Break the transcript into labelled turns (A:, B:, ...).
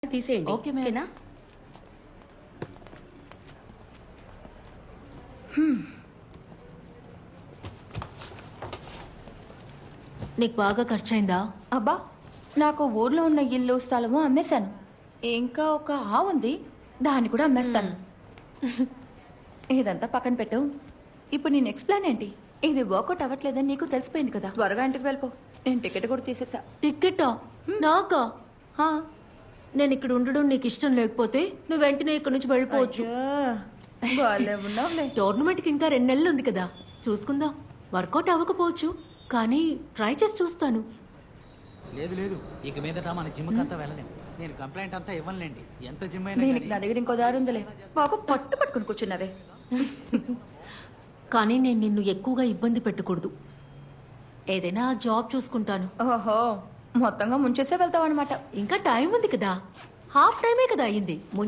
A: తీసేయండి.
B: Okay, madam.
A: ఓకేనా?
B: నీకు బాగా ఖర్చయిందా?
C: అబ్బా నాకు ఊర్లో ఉన్న ఇల్లు స్థలము అమ్మేశాను. ఇంకా ఒక ఆవు ఉంది, దాన్ని కూడా అమ్మేస్తాను. ఇదంతా పక్కన పెట్టు. ఇప్పుడు నీ నెక్స్ట్ ప్లాన్ ఏంటి? ఇది వర్కౌట్ అవ్వట్లేదని నీకు తెలిసిపోయింది కదా, త్వరగా ఇంటికి వెళ్ళిపో. నేను టికెట్ కూడా తీసేసా.
B: టికెటా? నాకా?
C: హా.
B: నేను ఇక్కడ ఉండడం నీకు ఇష్టం లేకపోతే నువ్వు వెంటనే ఇక్కడ నుంచి వెళ్ళిపోవచ్చు.
C: బాలే ఉన్నావులే.
B: టోర్నమెంట్కి ఇంకా 2 నెలలు ఉంది కదా, చూసుకుందాం. వర్కౌట్ అవ్వకపోవచ్చు, కానీ ట్రై చేసి చూస్తాను.
D: లేదు లేదు, ఇక మీదట మన జిమ్కి అంతా వెళ్ళలేం. నేను కంప్లైంట్ అంతా ఇవ్వనులేండి. ఎంత జిమ్ అయినా
C: దీనికి
D: కానీ.
C: నా దగ్గర ఇంకో దారి ఉందిలే. బాగా పట్టుకుని కూర్చున్నావే.
B: కానీ నేను నిన్ను ఎక్కువగా ఇబ్బంది పెట్టకూడదు. ఏదైనా జాబ్ చూసుకుంటాను.
C: ఓహో, మొత్తంగా ముంచేసే వెళ్తావు అనమాట.
B: ఇంకా టైం ఉంది కదా, హాఫ్ టైమే కదా అయింది.